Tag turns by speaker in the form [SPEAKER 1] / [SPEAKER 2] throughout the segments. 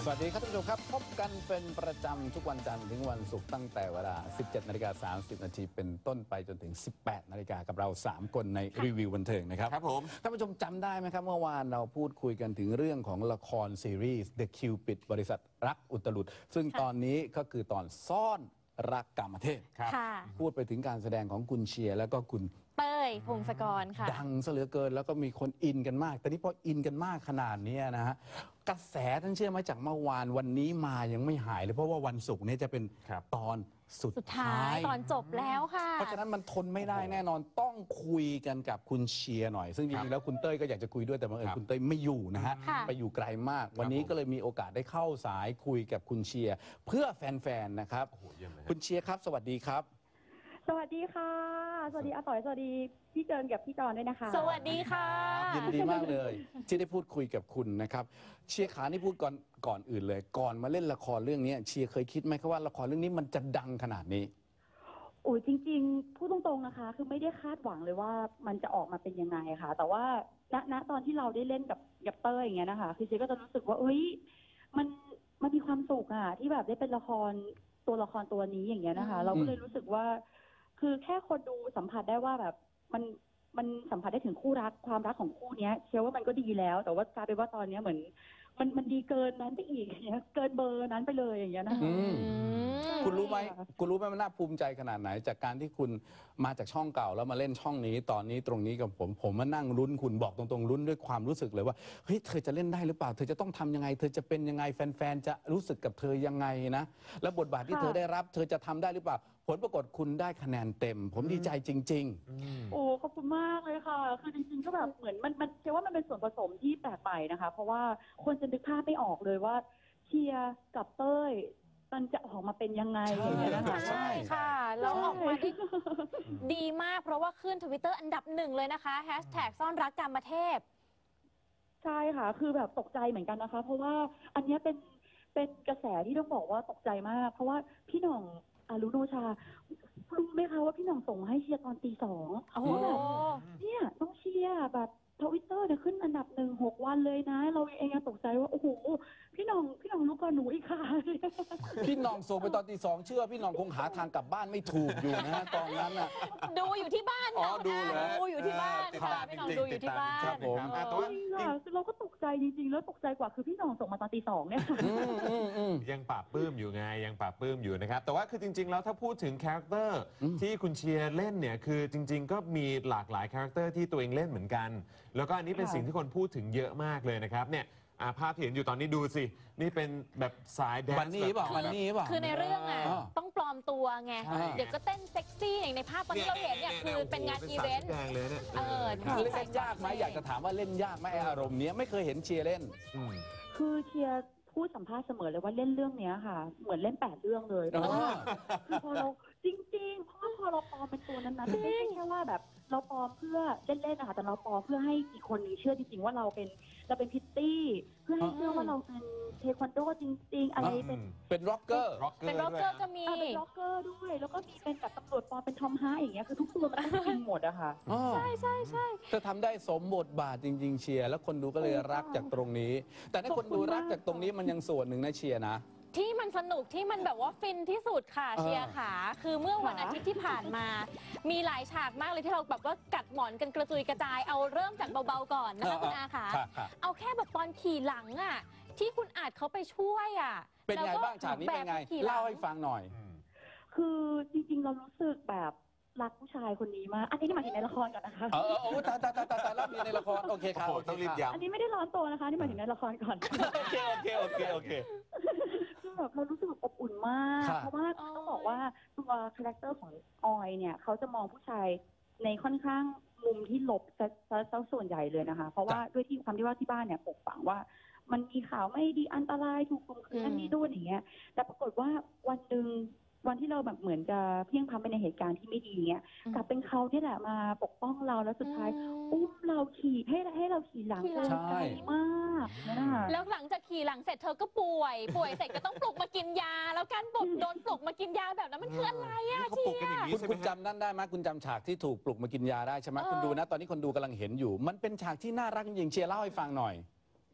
[SPEAKER 1] วัสดีครับท่านผู้ชมครับพบกันเป็นประจำทุกวันจันทร์ถึงวันศุกร์ตั้งแต่เวลา 17:30 น.เป็นต้นไปจนถึง 18 นาฬิกากับเรา 3 คนในรีวิวบันเทิงนะครับ
[SPEAKER 2] ครับผม
[SPEAKER 1] ท่านผู้ชมจำได้ไหมครับเมื่อวานเราพูดคุยกันถึงเรื่องของละครซีรีส์ The Cupid บริษัทรักอุตลุดซึ่งตอนนี้ก็คือตอนซ่อนรักกามเทพพูดไปถึงการแสดงของคุณเชียร์แล้วก็คุณ
[SPEAKER 3] เต้ยพงศกรค่ะ
[SPEAKER 1] ดังซะเหลือเกินแล้วก็มีคนอินกันมากแต่นี่พออินกันมากขนาดนี้นะฮะกระแสท่านเชื่อไหมจากเมื่อวานวันนี้มายังไม่หายเลยเพราะว่าวันศุกร์นี้จะเป็นตอนสุดท้าย
[SPEAKER 3] ตอนจบแล้วค่ะ
[SPEAKER 1] เพราะฉะนั้นมันทนไม่ได้แน่นอนต้องคุยกันกับคุณเชียร์หน่อยซึ่งจริงๆแล้วคุณเต้ยก็อยากจะคุยด้วยแต่บังเอิญคุณเต้ยไม่อยู่นะฮะไปอยู่ไกลมากวันนี้ก็เลยมีโอกาสได้เข้าสายคุยกับคุณเชียร์เพื่อแฟนๆนะครับคุณเชียร์ครับสวัสดีครับ
[SPEAKER 4] สวัสดีค่ะสวัสดีอาต่อยสวัสดีพี่เจินกับพี่จอนด้วยนะคะ
[SPEAKER 3] สวัสดีค่ะ
[SPEAKER 1] ยินดีมากเลยที่ได้พูดคุยกับคุณนะครับเชียร์ขานี่พูดก่อนอื่นเลยก่อนมาเล่นละครเรื่องนี้เชียร์เคยคิดไหมครับว่าละครเรื่องนี้มันจะดังขนาดนี้
[SPEAKER 4] โอ้ยจริงๆพูดตรงๆนะคะคือไม่ได้คาดหวังเลยว่ามันจะออกมาเป็นยังไงค่ะแต่ว่าณตอนที่เราได้เล่นกับเต้ยอย่างเงี้ยนะคะคือเชียร์ก็จะรู้สึกว่าเอ้ยมันมีความสุขอะที่แบบได้เป็นละครตัวนี้อย่างเงี้ยนะคะเราก็เลยรู้สึกว่าคือแค่คนดูสัมผัสได้ว่าแบบมันสัมผัสได้ถึงคู่รักความรักของคู่นี้เชื่อว่ามันก็ดีแล้วแต่ว่ากลายเป็นว่าตอนนี้เหมือนมันดีเกินนั้นไปอีกอย่างเงี้ยเกินเบอร์นั้นไปเลยอย่างเงี้ยนะคะ
[SPEAKER 1] คุณรู้ไหมมันน่าภูมิใจขนาดไหนจากการที่คุณมาจากช่องเก่าแล้วมาเล่นช่องนี้ตอนนี้ตรงนี้กับผมมานั่งลุ้นคุณบอกตรงๆลุ้นด้วยความรู้สึกเลยว่าเฮ้ยเธอจะเล่นได้หรือเปล่าเธอจะต้องทำยังไงเธอจะเป็นยังไงแฟนๆจะรู้สึกกับเธอยังไงนะแล้วบทบาทที่เธอได้รับเธอจะทำได้หรือเปล่าผลปรากฏคุณได้คะแนนเต็มผมดีใจจริง
[SPEAKER 4] ๆโอ้ขอบคุณมากเลยค่ะคือจริงๆก็แบบเหมือนมันเชื่อว่ามันเป็นส่วนผสมที่แปลกใหม่นะคะเพราะว่าคนจะนึกภาพไม่ออกเลยว่าเชียร์กับเต้ยมันจะออกมาเป็นยังไงอย่างเงี้ยนะคะ
[SPEAKER 3] ใช่ค่ะแล้วออกมาได้ดีมากเพราะว่าขึ้น Twitter อันดับ1เลยนะคะแฮชแท็กซ่อนรักกามเทพ
[SPEAKER 4] ใช่ค่ะคือแบบตกใจเหมือนกันนะคะเพราะว่าอันนี้เป็นกระแสที่ต้องบอกว่าตกใจมากเพราะว่าพี่หน่องอารุโนชารู้ไหมคะว่าพี่หน่องส่งให้เชียร์ตอนตี 2เขาแบบเนี่ยต้องเชียร์แบบTwitter เนี่ยขึ้นอันดับ1 6 วันเลยนะเราเองยังตกใจว่าโอ้โหพี่หน่องรู้ก่อนหนูอีกค่ะ
[SPEAKER 1] พี่หน่องส่งไปตอนตี 2เชื่อพี่หน่องคงหาทางกลับบ้านไม่ถูกอยู่นะตอนนั้นน่ะ
[SPEAKER 3] ดูอยู่ที่บ้าน
[SPEAKER 1] ดู
[SPEAKER 3] อยู่ที่บ้านค่ะพี่หน่องดูอยู่ที่บ้าน
[SPEAKER 1] ครับผม
[SPEAKER 4] คือเราก็ตกใจจริงๆแล้วตกใจกว่าคือพี่หน่องส่งมาตอนตี 2เนี่ย
[SPEAKER 2] ยังปราบปลื้มอยู่ไงยังปราบปลื้มอยู่นะครับแต่ว่าคือจริงๆแล้วถ้าพูดถึงคาแรคเตอร์ที่คุณเชียร์เล่นเนี่ยคือจริงๆก็มีหลากหลายคาแรคเตอร์ที่ตัวเองเล่นเหมือนกันแล้วก็อันนี้เป็นสิ่งที่คนพูดถึงเยอะมากเลยนะครับเนี่ยภาพที่เห็นอยู่ตอนนี้ดูสินี่เป็นแบบสายแดนซ์
[SPEAKER 1] มันนี่เปล่า
[SPEAKER 3] คือในเรื่องต้องปลอมตัวไงเดี๋ยวก็เต้นเซ็กซี่อย่างในภาพตอนที่เราเห็นเนี่ยคือเป็นงานอีเวนต์
[SPEAKER 2] แดงเลยเนี่ย
[SPEAKER 1] เล่นยากไหมอยากจะถามว่าเล่นยากไหมอารมณ์นี้ไม่เคยเห็นเชียร์เล่น
[SPEAKER 4] คือเชียร์พูดสัมภาษณ์เสมอเลยว่าเล่นเรื่องนี้ค่ะเหมือนเล่น8 เรื่องเลยเพราะว่าคือพอเราจริงๆเพราะว่าพอเราปลอมเป็นตัวนั้นๆไม่ใช่แค่ว่าแบบเราปลอมเพื่อเล่นๆนะคะแต่เราปลอมเพื่อให้อีกคนนึงเชื่อจริงๆว่าเราเป็นพิตตี้เพื่อให้เชื่อว่าเราเป็นเทควันโดจริงๆอะไร
[SPEAKER 1] เป็นร็อกเกอร์
[SPEAKER 3] ก็มี
[SPEAKER 4] เป็นร็อกเกอร์ด้วยแล้วก็มีเป็นกับตำรวจปลอมเป็นทอมฮาร์อย่างเงี้ยคือทุกตัวมันต้องจริงหมดอะค่ะ
[SPEAKER 3] ใช่
[SPEAKER 1] จะทำได้สมบทบาทจริงๆเชียร์แล้วคนดูก็เลยรักจากตรงนี้แต่ถ้าคนดูรักจากตรงนี้มันยังส่วนหนึ่งนะเชียร์นะ
[SPEAKER 3] ที่มันสนุกที่มันแบบว่าฟินที่สุดค่ะเชียร์ขาคือเมื่อวันอาทิตย์ที่ผ่านมามีหลายฉากมากเลยที่เราแบบว่ากัดหมอนกันกระจุยกระจายเอาเริ่มจากเบาๆก่อนนะคะคุณอาขาเอาแค่แบบตอนขี่หลังอ่ะที่คุณอาจเขาไปช่วยอ่ะ
[SPEAKER 1] เป็นไงบ้างฉากนี้เป็นไงเล่าให้ฟังหน่อย
[SPEAKER 4] คือจริงๆเรารู้สึกแบบรักผู้ชายคนนี้มากอันนี้หมายถึงในละครก่อนนะคะ
[SPEAKER 1] ตายรับในละครโอเคครับ
[SPEAKER 2] ต้องรีบย้ำ
[SPEAKER 4] อันนี้ไม่ได้ร้อนตัวนะคะนี่หมายถึงในละครก่อน
[SPEAKER 1] โอเค
[SPEAKER 4] คือแบบเรารู้สึกอบอุ่นมากเพราะว่าต้องบอกว่าตัวคาแรคเตอร์ของออยเนี่ยเขาจะมองผู้ชายในค่อนข้างมุมที่ลบซะส่วนใหญ่เลยนะคะเพราะว่าด้วยที่ความที่ว่าที่บ้านเนี่ยปลูกฝังว่ามันมีข่าวไม่ดีอันตรายถูกข่มขืนนั่นนี่ด้วยอย่างเงี้ยแต่ปรากฏว่าวันที่เราแบบเหมือนจะเพียงพล้ำไปในเหตุการณ์ที่ไม่ดีเงี้ยกลับเป็นเขาที่แหละมาปกป้องเราแล้วสุดท้ายอุ้มเราขี่ให้เราขี่หลังไกลมาก
[SPEAKER 3] แล้วหลังจากขี่หลังเสร็จเธอก็ป่วยเสร็จก็ต้องปลุกมากินยาแล้วการโดนปลุกมากินยาแบบนั้นมันคืออะไรอะเชียร์
[SPEAKER 1] คุณจำนั่นได้ไหมคุณจำฉากที่ถูกปลุกมากินยาได้ใช่ไหมคุณดูนะตอนนี้คนดูกำลังเห็นอยู่มันเป็นฉากที่น่ารักจริงเชียร์เล่าให้ฟังหน่อย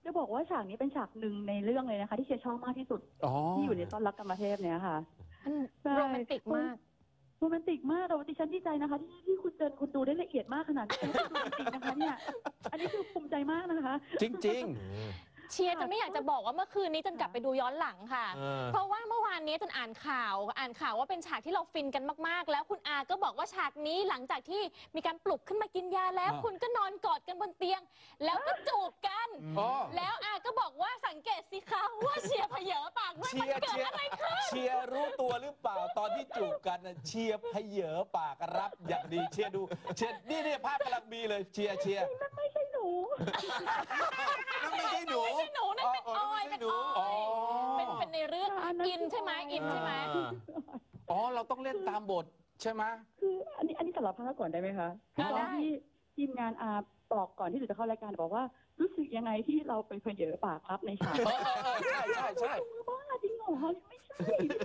[SPEAKER 4] จะบอกว่าฉากนี้เป็นฉากหนึ่งในเรื่องเลยนะคะที่เชียร์ชอบมากที่สุด
[SPEAKER 1] อ๋อ
[SPEAKER 4] ที่อยู่ในซ่อนรักกรรมเทพเนี่ยค่ะ
[SPEAKER 3] มัน
[SPEAKER 4] ใช่
[SPEAKER 3] โรแมนติกมาก
[SPEAKER 4] โรแมนติกมากแต่ว่าดิฉันดีใจนะคะที่คุณเจนคุณดูได้ละเอียดมากขนาดนี้คุณดูจริงๆนะคะเนี่ยอันนี้คือภูมิใจมากนะคะ
[SPEAKER 1] จริง
[SPEAKER 3] เชียร์จนไม่อยากจะบอกว่าเมื่อคืนนี้จนกลับไปดูย้อนหลังค่ะ เพราะว่าเมื่อวานนี้จนอ่านข่าวว่าเป็นฉากที่เราฟินกันมากๆ แล้วคุณอาก็บอกว่าฉากนี้หลังจากที่มีการปลุกขึ้นมากินยาแล้ว คุณก็นอนกอดกันบนเตียง แล้วก็จูบกัน
[SPEAKER 1] ๆอ๋อ
[SPEAKER 3] แล้วอาก็บอกว่าสังเกตสิคะว่าเชียร์เผยปากด้วยมันเกิดอะไรขึ้น
[SPEAKER 1] เชียร์รู้ตัวหรือเปล่าตอนที่จูบกันน่ะเชียร์เพเยอปากรับอย่างดีเชียร์ดูเชียร์นี่ภาพกำลังมีเลยเชียร์
[SPEAKER 4] นั่นไม่ใช่หนู
[SPEAKER 1] นั่นไม่ใช่หนู
[SPEAKER 3] ไม่ใช่หนูนั่นเป็นออยเป็นอ
[SPEAKER 1] อ๋อ
[SPEAKER 3] อยเป็นในเรื่อง
[SPEAKER 4] อันนั้น
[SPEAKER 3] อินใช่ไหมอินใช่ไหม
[SPEAKER 1] อ๋อเราต้องเล่นตามบทใช่ไหม
[SPEAKER 4] คืออันนี้สารภาพก่อนได้ไหมคะคือตอนที่ทีมงานอาบอกก่อนที่หนูจะเข้ารายการบอกว่ารู้สึกยังไงที่เราไปเพลเยอปากครับในฉาก
[SPEAKER 1] ใช่
[SPEAKER 4] บ้าจริงเหรอไม่ใช่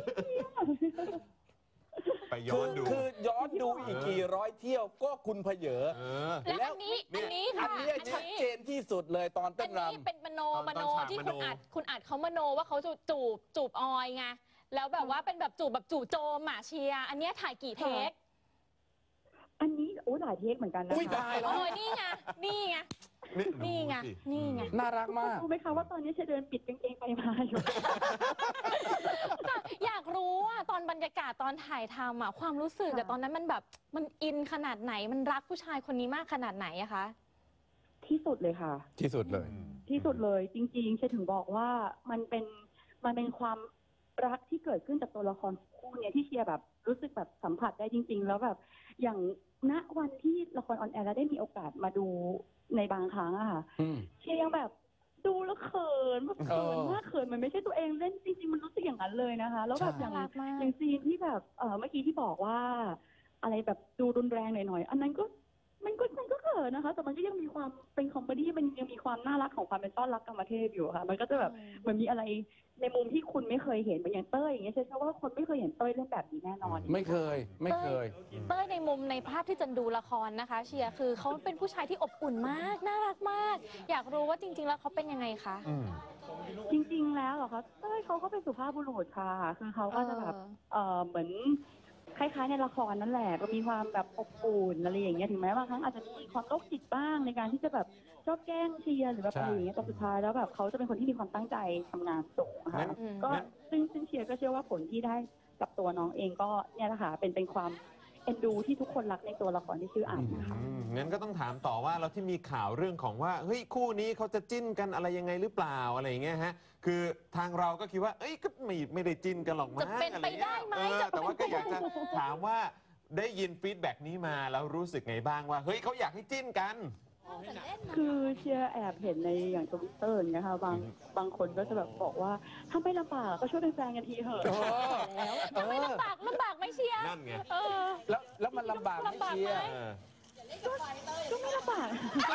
[SPEAKER 2] ไปย้อนดู
[SPEAKER 1] คือย้อนดูอีกกี่ร้อยเที่ยวก็คุณเพเยอ
[SPEAKER 3] และอันนี้ค่ะ
[SPEAKER 1] อันนี้ชัดเจนที่สุดเลยตอน
[SPEAKER 3] อั
[SPEAKER 1] เต้
[SPEAKER 3] น
[SPEAKER 1] นร
[SPEAKER 3] นี้เป็นมโน
[SPEAKER 2] ตอนฉาก
[SPEAKER 3] ที่
[SPEAKER 2] มโน
[SPEAKER 3] คุณอัดเขามโนว่าเขาจะจูบออยไงแล้วแบบว่าเป็นแบบจู่โจมอ่ะเชียร์อันเนี้ยถ่ายกี่เทค
[SPEAKER 4] อันนี้หลายเทคเหมือนกันนะ
[SPEAKER 1] อุ้ย
[SPEAKER 4] คะ
[SPEAKER 1] ตายแล้
[SPEAKER 3] โอ้
[SPEAKER 1] วย
[SPEAKER 3] นี่ไงนี่ไง นี่ไง
[SPEAKER 1] น่ารักมาก
[SPEAKER 4] รู้ไหมคะว่าตอนนี้เชยเดินปิดกางเกงไปมาอยู่
[SPEAKER 3] แต่อยากรู้ว่าตอนบรรยากาศตอนถ่ายทำอ่ะความรู้สึกอะ
[SPEAKER 4] ค่ะ
[SPEAKER 3] ตอนนั้นมันแบบมันอินขนาดไหนมันรักผู้ชายคนนี้มากขนาดไหนอะคะ
[SPEAKER 4] ที่สุดเลยค่ะ
[SPEAKER 1] ที่สุดเลย
[SPEAKER 4] ที่สุดเลยจริงๆเชยถึงบอกว่ามันเป็นความรักที่เกิดขึ้นจากตัวละครคู่เนี่ยที่เชียร์แบบรู้สึกแบบสัมผัสได้จริง ๆ แล้วแบบอย่างณวันที่ละครออนแอร์แล้วได้มีโอกาสมาดูในบางครั้งอะค่ะ
[SPEAKER 1] อืม
[SPEAKER 4] เชียร์ยังแบบดูแล้วเขินแบบเขินมากเขินมันไม่ใช่ตัวเองเล่นจริงๆมันรู้สึกอย่างนั้นเลยนะคะแล้วแบบอย่าง
[SPEAKER 3] น่ารักมาก
[SPEAKER 4] อย่างซีนที่แบบเมื่อกี้ที่บอกว่า อะไรแบบดูรุนแรงหน่อยๆอันนั้นก็มันก็เขินนะคะ แต่มันก็ยังมีความเป็นคอมเมดี้มันยังมีความน่ารักของความเป็นต้อนรักกรรมเทพอยู่ค่ะ มันก็จะแบบเหมือนมีอะไรในมุมที่คุณไม่เคยเห็นเหมือนอย่างเต้ยอย่างเงี้ยเชื่อว่าคนไม่เคยเห็นเต้ยเล่นแบบนี้แน่นอน
[SPEAKER 1] ไม่เคย
[SPEAKER 3] เต้ยในมุมในภาพที่จันดูละครนะคะ เชียร์คือเขาเป็นผู้ชายที่อบอุ่นมากน่ารักมาก อยากรู้ว่าจริง ๆ แล้วเขาเป็นยังไงคะ
[SPEAKER 4] จริงๆแล้วเหรอคะเต้ยเขาก็เป็นสุภาพบุรุษค่ะคือเขาก็จะแบบเหมือนคล้ายๆในละครนั่นแหละก็มีความแบบอบอุ่นอะไรอย่างเงี้ยถึงแม้บางครั้งอาจจะมีความโรคจิตบ้างในการที่จะแบบชอบแกล้งเชียร์หรือแบบอะไรอย่างเงี้ยแต่สุดท้ายแล้วแบบเขาจะเป็นคนที่มีความตั้งใจทำงานสูงค่ะ
[SPEAKER 2] งั้น
[SPEAKER 4] ก็ซึ่งเชียร์ก็เชื่อว่าผลที่ได้กับตัวน้องเองก็เนี่ยแหละค่ะเป็นความเอ็นดูที่ทุกคนรักในตัวละครที่ชื่ออันนะคะ
[SPEAKER 2] งั้นก็ต้องถามต่อว่าแล้วที่มีข่าวเรื่องของว่าเฮ้ยคู่นี้เขาจะจิ้นกันอะไรยังไงหรือเปล่าอะไรอย่างเงี้ยฮะคือทางเราก็คิดว่าเอ้ยก็ไม่ได้จิ้นกันหรอกมั้ง
[SPEAKER 3] จะเป็นไปได้ไหม
[SPEAKER 2] อะรเงี้ย
[SPEAKER 3] จะเป็น
[SPEAKER 2] แต่ว่าก็อยากจะ
[SPEAKER 3] ไปได้ไหม
[SPEAKER 2] ถามว่าได้ยินฟีดแบ็กนี้มาแล้วรู้สึกไงบ้างว่าเฮ้ยเขาอยากให้จิ้นกัน
[SPEAKER 4] คือเชียร์แอบเห็นในอย่างทวิตเตอร์อย่างเงี้ยค่ะบางคนก็จะแบบบอกว่าถ้าไม่ลำบากก็ช่วยเป็นแฟนกันทีเถอะ
[SPEAKER 3] ทำไมลำบากไหมเชียร์
[SPEAKER 2] นั่นไง
[SPEAKER 3] เออ
[SPEAKER 1] แล้วมันลำบากไหมเชียร์
[SPEAKER 2] เออ
[SPEAKER 4] ก็ไม่ลำบาก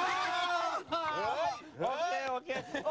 [SPEAKER 1] โอเค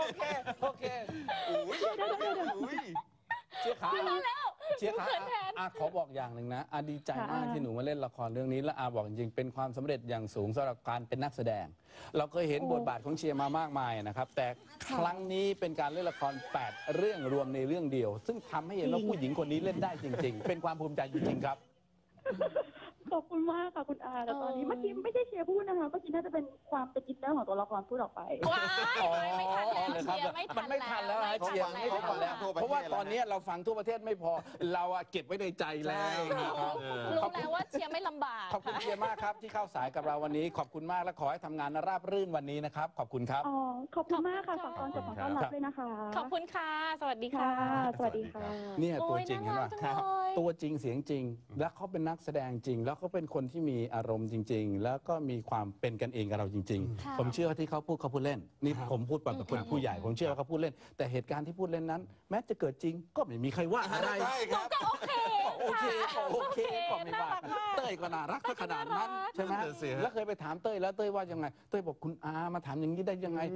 [SPEAKER 1] อุ้ย
[SPEAKER 2] อุ้ย
[SPEAKER 1] เชียร์ขา
[SPEAKER 3] แล้ว
[SPEAKER 1] เชียร์ขา
[SPEAKER 3] เขินแทน
[SPEAKER 1] ขอบอกอย่างหนึ่งนะดีใจมาก
[SPEAKER 4] ค่ะ
[SPEAKER 1] ที่หนูมาเล่นละครเรื่องนี้และบอกจริงๆเป็นความสำเร็จอย่างสูงสำหรับการเป็นนักแสดง เราเคยเห็นบทบาทของเชียร์มามากมายนะครับแต่ครั้งนี้เป็นการเล่นละคร 8 เรื่องรวมในเรื่องเดียว ซึ่งทำให้เห็นว่าผู้หญิงคนนี้เล่นได้จริง ๆ เป็นความภูมิใจจริงๆครับ
[SPEAKER 4] ขอบคุณมากค่ะคุณอาแต่ตอนนี้เมื่อกี้ไม่ใช่เชียร์พูดนะคะเมื่อกี้น่าจะเป็นความเป็นอินเนอร์ของตัวละครพูดออกไป
[SPEAKER 3] ว้ายไม่ทันแล้วเชียร์
[SPEAKER 1] มันไม่ทันแล้วนะเชียร์ไม่ทันแล้ว เพราะว่าตอนนี้เราฟังทั่วประเทศไม่พอเราเก็บไว้ในใจแล้วนะครับ
[SPEAKER 3] รู้แล้วว่าเชียร์ไม่ลำบาก
[SPEAKER 1] ขอบคุณเชียร์มากครับที่เข้าสายกับเราวันนี้ขอบคุณมากและขอให้ทำงานราบรื่นวันนี้นะครับขอบคุณครับ
[SPEAKER 4] อ๋อ ขอบคุณมากค่ะฝากตอนจบของต้อนรับด้วยนะคะ
[SPEAKER 3] ขอบคุณค่ะ สวัสดี
[SPEAKER 4] ค่ะ
[SPEAKER 3] ค่ะ
[SPEAKER 4] สวัสดีค่ะ
[SPEAKER 1] เนี่ยตัวจริงเห็นป่ะ
[SPEAKER 3] โอ้ยน่ารักจังเลย
[SPEAKER 1] ตัวจริงเสียงจริง แล้วเขาเป็นนักแสดงจริง แล้วเขาเป็นคนที่มีอารมณ์จริง ๆ แล้วก็มีความเป็นกันเองกับเราจริง
[SPEAKER 3] ค่ะ
[SPEAKER 1] ๆ ผมเชื่อว่าที่เขาพูดเล่นนี่ผมพูดแบบคนผู้ใหญ่ ผมเชื่อว่าเขาพูดเล่น แต่เหตุการณ์ที่พูดเล่นนั้น แม้จะเกิดจริงก็ไม่มีใครว่าอะไร
[SPEAKER 2] ใช่ครับ
[SPEAKER 3] ก็โอเค
[SPEAKER 1] โอเคโอเคก็ไม่
[SPEAKER 3] น่า
[SPEAKER 1] ว่า
[SPEAKER 3] รักมาก
[SPEAKER 1] เต้ยก็น่ารักขนาดนั้นใช่ไหม
[SPEAKER 2] นั่นน่ะสิฮะ
[SPEAKER 1] แล้วเคยไปถามเต้ยแล้วเต้ยว่ายังไงเต้ยบอกคุณอามาถามอย่างนี้ได้ยังไง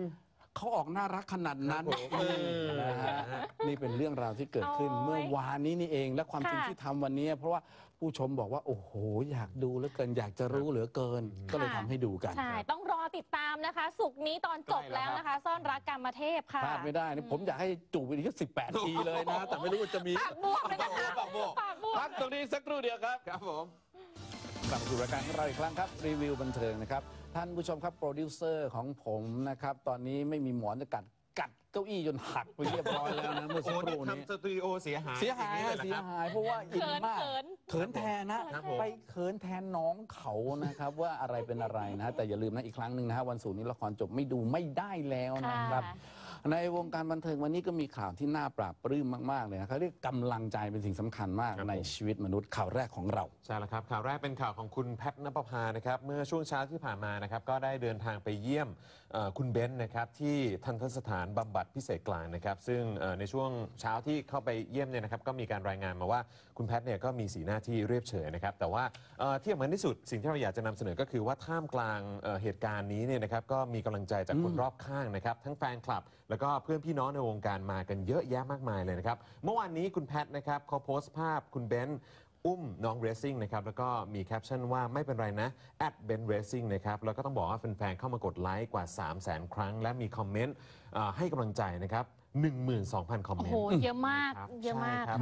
[SPEAKER 1] เขาออกน่ารักขนาดนั้น
[SPEAKER 2] ครับผม
[SPEAKER 1] นะฮะนี่เป็นเรื่องราวที่เกิดขึ้น
[SPEAKER 3] โอ้ย
[SPEAKER 1] เมื่อวานนี้นี่เองและความจริง
[SPEAKER 3] ค่ะ
[SPEAKER 1] ที่ทำวันนี้ เพราะว่าผู้ชมบอกว่าโอ้โหอยากดูเหลือเกินอยากจะรู้เหลือเกิน ก็เลยทำให้ดูกัน
[SPEAKER 3] ใช่ ต้องรอติดตามนะคะ สุกร์นี้ตอนจบแล้วนะคะ ซ่อนรักกรรมเทพค่ะ
[SPEAKER 1] พลาดไม่ได้นะผมอยากให้จูบไปอีก18 ทีเลยนะ แต่ไม่รู้ว่าจะมี
[SPEAKER 3] ปากบวกเลยนะคะ
[SPEAKER 2] ปากบวก
[SPEAKER 3] ปากบวก
[SPEAKER 1] พักตรงนี้สักครู่เดียวครับ
[SPEAKER 2] ครับผม
[SPEAKER 1] กลับมาสู่รายการของเราอีกครั้งครับรีวิวบันเทิงนะครับท่านผู้ชมครับโปรดิวเซอร์ของผมนะครับตอนนี้ไม่มีหมอนจะกัดเก้าอี้จนหักไปเรียบร้อยแล้วนะเมื่อสัก
[SPEAKER 2] โอ้
[SPEAKER 1] ค
[SPEAKER 2] นี่
[SPEAKER 1] รู่นี้
[SPEAKER 2] ทำสตูดิโอเสียหาย
[SPEAKER 1] เสียหาย
[SPEAKER 2] องนี้
[SPEAKER 1] อะ
[SPEAKER 2] ล
[SPEAKER 1] เสีย
[SPEAKER 2] ครับ
[SPEAKER 1] หายเพราะว่าอินมาก
[SPEAKER 3] เขิน
[SPEAKER 1] เขินแทนนะครับ
[SPEAKER 2] ผม
[SPEAKER 1] ไปเขินแทนน้องเขานะครับว่าอะไรเป็นอะไรนะแต่อย่าลืมนะอีกครั้งหนึ่งนะฮะวันศุกร์นี้ละครจบไม่ดูไม่ได้แล้วนะครับ ในวงการบันเทิงวันนี้ก็มีข่าวที่น่าปราบปลื้มมากๆเลยนะครับเรียกกำลังใจเป็นสิ่งสำคัญมาก
[SPEAKER 2] ครับ
[SPEAKER 1] ใน
[SPEAKER 2] ผม
[SPEAKER 1] ชีวิตมนุษย์ข่าวแรกของเรา
[SPEAKER 2] ใช่แล้วครับข่าวแรกเป็นข่าวของคุณแพทณปภานะครับเมื่อช่วงเช้าที่ผ่านมานะครับก็ได้เดินทางไปเยี่ยมคุณเบนซ์นะครับที่ทันตสถานบำบัดพิเศษกลางนะครับซึ่งในช่วงเช้าที่เข้าไปเยี่ยมเนี่ยนะครับก็มีการรายงานมาว่าคุณแพทเนี่ยก็มีสีหน้าที่เรียบเฉยนะครับแต่ว่าที่สำคัญที่สุดสิ่งที่เราอยากจะนำเสนอก็คือว่าท่ามกลางเหตุการณ์นี้เนี่ยนะครับก็มีกำลังใจจากคนรอบข้างนะครับทั้งแฟนคลับ แล้วก็เพื่อนพี่น้องในวงการมากันเยอะแยะมากมายเลยนะครับเมื่อวานนี้คุณแพทนะครับเขาโพสต์ภาพคุณเบนซ์อุ้มน้องเรซซิ่งนะครับแล้วก็มีแคปชั่นว่าไม่เป็นไรนะ@benracing นะครับแล้วก็ต้องบอกว่าแฟนๆเข้ามากดไลค์กว่า 300,000 ครั้ง และมีคอมเมนต์ให้กำลังใจนะครับ 12,000 คอมเม
[SPEAKER 3] โอ้
[SPEAKER 2] น
[SPEAKER 3] โห
[SPEAKER 2] ต์
[SPEAKER 3] เยอะมาก
[SPEAKER 2] ครับ
[SPEAKER 3] เยอะมาก
[SPEAKER 2] ใช่ครับ
[SPEAKER 3] ค่ะ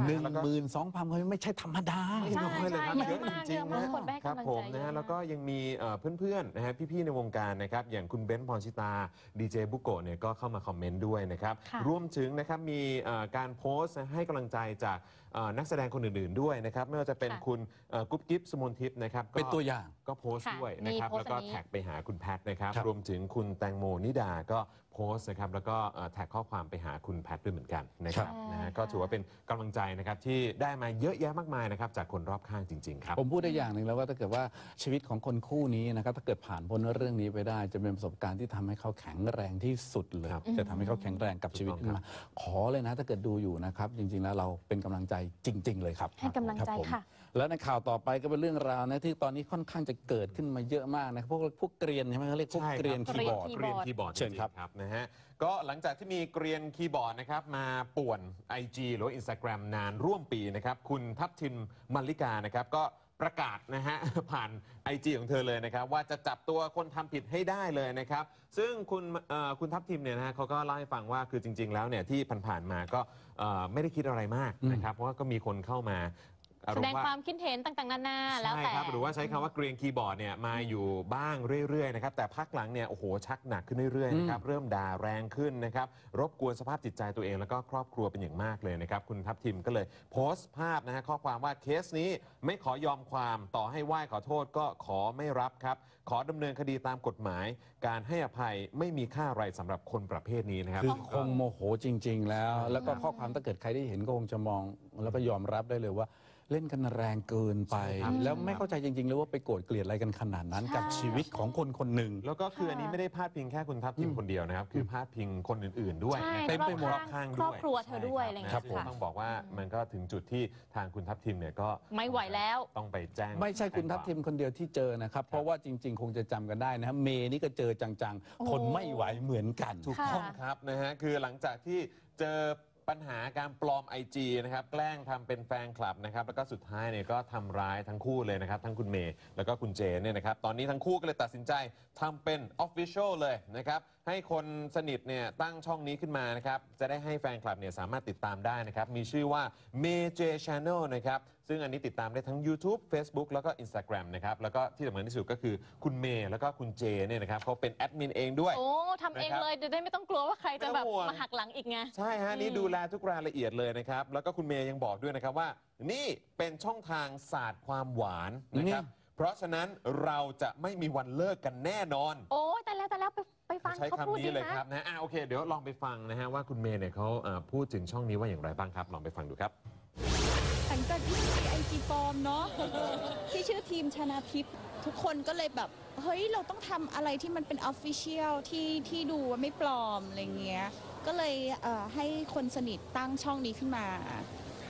[SPEAKER 1] 12,000ไม่ใช่ธรรมดา
[SPEAKER 2] ไม่น้อยเลยครับ
[SPEAKER 3] ใช่
[SPEAKER 2] เยอะจริง
[SPEAKER 3] เยอะ
[SPEAKER 2] ๆ
[SPEAKER 3] มาก
[SPEAKER 2] นะ
[SPEAKER 3] คนไปให้
[SPEAKER 2] ครับ
[SPEAKER 3] กำลัง
[SPEAKER 2] ผ
[SPEAKER 3] ใจ
[SPEAKER 2] ม
[SPEAKER 3] เย
[SPEAKER 2] นะ
[SPEAKER 3] อะ
[SPEAKER 2] ฮะ
[SPEAKER 3] มาก
[SPEAKER 2] แล้วก็ยังมีเพื่อนๆนะฮะพี่ๆในวงการนะครับอย่างคุณเบนซ์พรชิตาดีเจบุโกะเนี่ยก็เข้ามาคอมเมนต์ด้วยนะครับ
[SPEAKER 3] ค่ะ
[SPEAKER 2] รวมถึงนะครับมีการโพสต์ให้กำลังใจจากนักแสดงคนอื่นๆด้วยนะครับไม่ว่าจะเป็นคุณกุ๊บกิ๊บสมนทิพย์นะครับก็
[SPEAKER 1] เป็นตัวอย่าง
[SPEAKER 2] ก็โพสต์
[SPEAKER 3] ค่ะ
[SPEAKER 2] ด้วยนะครับ
[SPEAKER 3] มีโพสต์
[SPEAKER 2] แล้วก็
[SPEAKER 3] อันนี้
[SPEAKER 2] แท็กไปหาคุณแพทนะครับ
[SPEAKER 1] ครับ
[SPEAKER 2] รวมถึงคุณแตงโมนิดาก็โพสต์นะครับแล้วก็แท็กข้อความไปหาคุณแพทด้วยเหมือนกันนะครับนะฮะก็ถือว่าเป็นกำลังใจนะครับที่ได้มาเยอะแยะมากมายนะครับจากคนรอบข้างจริงๆครับ
[SPEAKER 1] ผมพูดได้อย่างหนึ่งแล้วว่าถ้าเกิดว่าชีวิตของคนคู่นี้นะครับถ้าเกิดผ่านพ้นเรื่องนี้ไปได้ จะเป็นประสบการณ์ที่ทำให้เขาแข็งแรงที่สุดเลย
[SPEAKER 2] ครับ
[SPEAKER 1] จะทำให้เขาแข็งแรงกับชีวิตขึ้นมาขอเลยนะถ้าเกิดดูอยู่นะครับจริงๆแล้วเราเป็นกำลังใจจริง ๆ เลยครับ
[SPEAKER 3] ให้กำลังใจ
[SPEAKER 1] รับผม
[SPEAKER 3] ค่ะ
[SPEAKER 1] แล้วในข่าวต่อไปก็เป็นเรื่องราวนะที่ตอนนี้ค่อนข้างจะเกิดขึ้นมาเยอะมากนะพวกเกรียนใช่ไหมเขาเรียกพวก
[SPEAKER 2] ใช่ครับ
[SPEAKER 1] เกรียนคีย์บอร์ด
[SPEAKER 2] เกรียนคีย์บอร์ด
[SPEAKER 1] เชิญครับ
[SPEAKER 2] จงๆครับนะฮะก็หลังจากที่มีเกรียนคีย์บอร์ดนะครับมาป่วน IG หรือว่า Instagram นานร่วมปีนะครับคุณทัพทิมมัลลิกานะครับก็ประกาศนะฮะ ผ่าน IG ของเธอเลยนะครับว่าจะจับตัวคนทำผิดให้ได้เลยนะครับซึ่งคุณทัพทิมเนี่ยนะฮะเขาก็เล่าให้ฟังว่าคือจริง ๆ แล้วเนี่ยที่ผ่านๆมาก็ไม่ได้คิดอะไรมากนะครับเพราะว่าก็มีคนเข้ามาอาร
[SPEAKER 3] แส
[SPEAKER 2] ม
[SPEAKER 3] ดง
[SPEAKER 2] ณ์ว่า
[SPEAKER 3] ความคิดเห็นต่างๆนานาแล้ว
[SPEAKER 2] ใช่
[SPEAKER 3] แต่
[SPEAKER 2] ครับหรือว่าใช้คำว่าเกรียนคีย์บอร์ดเนี่ยมาอยู่บ้างเรื่อยๆนะครับแต่พักหลังเนี่ยโอ้โหชักหนักขึ้นเรื่อยๆนะครับเริ่มด่าแรงขึ้นนะครับรบกวนสภาพจิตใจตัวเองแล้วก็ครอบครัวเป็นอย่างมากเลยนะครับคุณทัพทิมก็เลยโพสต์ภาพนะฮะข้อความว่าเคสนี้ไม่ขอยอมความต่อให้ไหว้ขอโทษก็ขอไม่รับครับขอดำเนินคดีตามกฎหมาย การให้อภัยไม่มีค่าอะไรสำหรับคนประเภทนี้นะครับ
[SPEAKER 1] คือคงโมโหจริง ๆ แล้ว แล้วก็ข้อความถ้าเกิดใครได้เห็นก็คงจะมอง แล้วก็ยอมรับได้เลยว่าเล่นกันแรงเกินไป
[SPEAKER 2] ใช่ครับ
[SPEAKER 1] แล้วไม่เข้าใจจริง ๆ เลยว่าไปโกรธเกลียดอะไรกันขนาดนั้น
[SPEAKER 3] ใช่
[SPEAKER 1] กับชีวิตของคนคนหนึ่ง
[SPEAKER 2] แล้วก็คืออันนี้ไม่ได้พาดพิงแค่คุณทัพทิมคนเดียวนะครับคือพาดพิงคนอื่นๆด้วย
[SPEAKER 3] ใช่
[SPEAKER 2] นะครับ
[SPEAKER 1] เต็มไปหมด
[SPEAKER 2] รอบข้างด้วย
[SPEAKER 3] ครอบครัวเธอด้วยอะไรอย่างเงี้ย
[SPEAKER 2] ใช่ครับ
[SPEAKER 3] ค่ะ
[SPEAKER 2] ต้องบอกว่ามันก็ถึงจุดที่ทางคุณทัพทิมเนี่ยก็
[SPEAKER 3] ไม่ไหวแล้ว
[SPEAKER 2] ต้องไปแจ้ง
[SPEAKER 1] ไม่ใช่คุณทัพทิมคนเดียวที่เจอนะครับ เพราะว่าจริง ๆ คงจะจำกันได้นะเมย์นี่ก็เจอจัง
[SPEAKER 3] โอ้
[SPEAKER 1] ๆ ทนไม่ไหวเหมือนกัน
[SPEAKER 2] ถูกต้องครับนะฮะคือหลังจากที่เจอปัญหาการปลอม IG นะครับแกล้งทำเป็นแฟนคลับนะครับแล้วก็สุดท้ายเนี่ยก็ทำร้ายทั้งคู่เลยนะครับทั้งคุณเมย์แล้วก็คุณเจนเนี่ยนะครับตอนนี้ทั้งคู่ก็เลยตัดสินใจทำเป็น Official เลยนะครับให้คนสนิทเนี่ยตั้งช่องนี้ขึ้นมานะครับจะได้ให้แฟนคลับเนี่ยสามารถติดตามได้นะครับมีชื่อว่า May J Channel นะครับซึ่งอันนี้ติดตามได้ทั้ง YouTube Facebook แล้วก็ Instagram นะครับแล้วก็ที่สำคัญที่สุดก็คือคุณเมย์แล้วก็คุณเจเนี่ยนะครับเขาเป็นแอดมินเองด้วย
[SPEAKER 3] โอ้ทำเองเลยจะได้ไม่ต้องกลัวว่าใครจะแบบ
[SPEAKER 2] ไม่ต้องห่วง
[SPEAKER 3] มาหักหลังอีกไง
[SPEAKER 2] ใช่ฮะนี่ดูแลทุกรายละเอียดเลยนะครับ แล้วก็คุณเมย์ยังบอกด้วยนะครับว่า นี่เป็นช่องทางศาสตร์ความหวานนะครับ เพราะฉะนั้นเราจะไม่มีวันเลิกกันแน่นอน
[SPEAKER 3] โอ้แต่แล้วไปฟัง
[SPEAKER 2] ใช้
[SPEAKER 3] เขาพูด
[SPEAKER 2] คำ
[SPEAKER 3] ดี
[SPEAKER 2] นี้เลย
[SPEAKER 3] นะครับ
[SPEAKER 2] นะโอเค เดี๋ยวลองไปฟังนะฮะว่าคุณเมย์เนี่ยเขาพูดถึงช่องนี้ว่าอย่างไรบ้างครับ ลองไปฟังดูครับ
[SPEAKER 5] หลังจากที่มีไอจีปลอมเนาะ ที่ชื่อทีมชนาทิพย์ทุกคนก็เลยแบบ เฮ้ย เราต้องทำอะไรที่มันเป็นออฟฟิเชียลที่ดูว่าไม่ปลอมอะไรเงี้ยก็เลยให้คนสนิทตั้งช่องนี้ขึ้นมา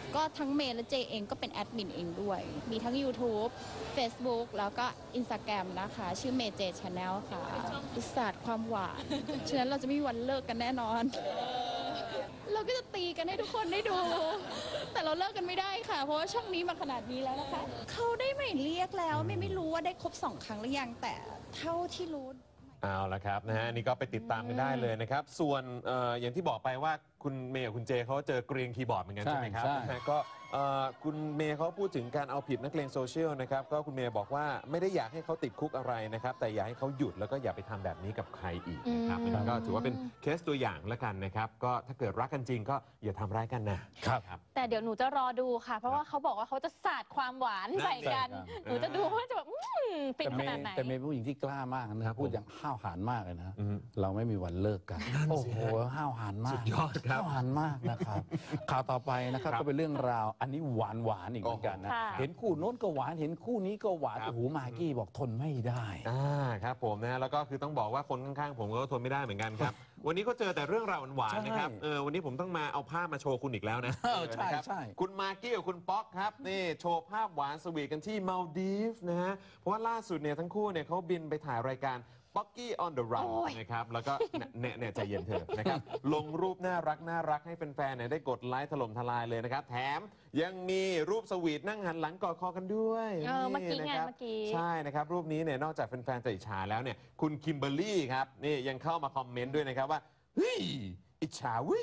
[SPEAKER 5] ก็ทั้งเมย์และเจเองก็เป็นแอดมินเองด้วย มีทั้ง YouTube Facebook แล้วก็ Instagram นะคะ ชื่อเมย์เจชาแนลค่ะศาสตร์ความหวาน ฉะนั้นเราจะไม่มีวันเลิกกันแน่นอน เราก็จะตีกันให้ทุกคนได้ดู แต่เราเลิกกันไม่ได้ค่ะ เพราะว่าช่องนี้มาขนาดนี้แล้วนะคะ เขาได้หมายเรียกแล้วไม่รู้ว่าได้ครบ2 ครั้งหรือยังแต่เท่าที่รู้
[SPEAKER 2] เอาละครับนะฮะนี่ก็ไปติดตามกันได้เลยนะครับ ส่วนอย่างที่บอกไปว่าคุณเมย์กับคุณเจเขาเจอเกรียนคีย์บอร์ดเหมือนกันใช่ไหมครับ
[SPEAKER 1] ใช่
[SPEAKER 2] นะฮะก็คุณเมย์เขาพูดถึงการเอาผิดนักเลงโซเชียลนะครับก็คุณเมย์บอกว่าไม่ได้อยากให้เขาติดคุกอะไรนะครับแต่อยากให้เขาหยุดแล้วก็อย่าไปทำแบบนี้กับใครอีกนะครับอันนี้ก็ถือว่าเป็นเคสตัวอย่างแล้วกันนะครับก็ถ้าเกิดรักกันจริงก็อย่าทำร้ายกันนะครับ
[SPEAKER 3] แต่เดี๋ยวหนูจะรอดูค่ะ เพราะว่าเขาบอกว่าเขาจะสาดความหวานใส่กัน
[SPEAKER 1] ใช่ครับ
[SPEAKER 3] หนูจะดูว่าจะแบบฟิน
[SPEAKER 1] แต่
[SPEAKER 3] ข
[SPEAKER 1] เม
[SPEAKER 3] นาด
[SPEAKER 1] ย์
[SPEAKER 3] ไหน
[SPEAKER 1] แต่เมย์เป็นผู้หญิงที่กล้ามากนะครับพูดอย่างห้าวหาญมากเลยนะ
[SPEAKER 2] อืม
[SPEAKER 1] เราไม่มีวันเลิกกัน
[SPEAKER 2] นั่น
[SPEAKER 1] โอ้
[SPEAKER 2] สิ
[SPEAKER 1] โห
[SPEAKER 2] ฮะ
[SPEAKER 1] ห้าวหาญมาก
[SPEAKER 2] สุดยอดครับ
[SPEAKER 1] ห้าวหาญมากนะครับ ข่าวต่อไปนะครับ
[SPEAKER 2] ครับ
[SPEAKER 1] ก็เป็นเรื่องราวอันนี้หวานอีกเหมือนกันนะ
[SPEAKER 3] ค่ะ
[SPEAKER 1] เห็นคู่โน้นก็หวานเห็นคู่นี้ก็หวาน
[SPEAKER 2] ครับ
[SPEAKER 1] โอ้โหมากกี้บอกทนไม่ได้
[SPEAKER 2] ครับผมนะแล้วก็คือต้องบอกว่าคนข้างๆผมก็ทนไม่ได้เหมือนกันครับ วันนี้ก็เจอแต่เรื่องราวหวานๆนะครับ
[SPEAKER 1] ใช่
[SPEAKER 2] วันนี้ผมต้องมาเอาภาพมาโชว์คุณอีกแล้วนะ
[SPEAKER 1] ใช่
[SPEAKER 2] นะครับ
[SPEAKER 1] ใช่
[SPEAKER 2] คุณมากกี้กับคุณป๊อกครับนี่โชว์ภาพหวานสวีทกันที่มาลดีฟส์นะฮะเพราะว่าล่าสุดเนี่ยทั้งคู่เนี่ยเขาบินไปถ่ายรายการ Pocky on the Run
[SPEAKER 3] โอ้ย
[SPEAKER 2] นะครับแล้วก็เนี่ยใจเย็นเถอะนะครับลงรูปน่ารักให้แฟนๆเนี่ยได้กดไลค์ถล่มทลายเลยนะครับแถมยังมีรูปสวีทนั่งหันหลังกอดคอกันด้วย
[SPEAKER 3] เมื่อกี้ไง
[SPEAKER 2] นะครับ
[SPEAKER 3] เมื่อกี้
[SPEAKER 2] ใช่นะครับรูปนี้เนี่ยนอกจากแฟนๆจะอิจฉาแล้วเนี่ยคุณคิมเบอร์รี่ครับนี่ยังเข้ามาคอมเมนต์ด้วยนะครับว่าเฮ้ยอิจฉาวิ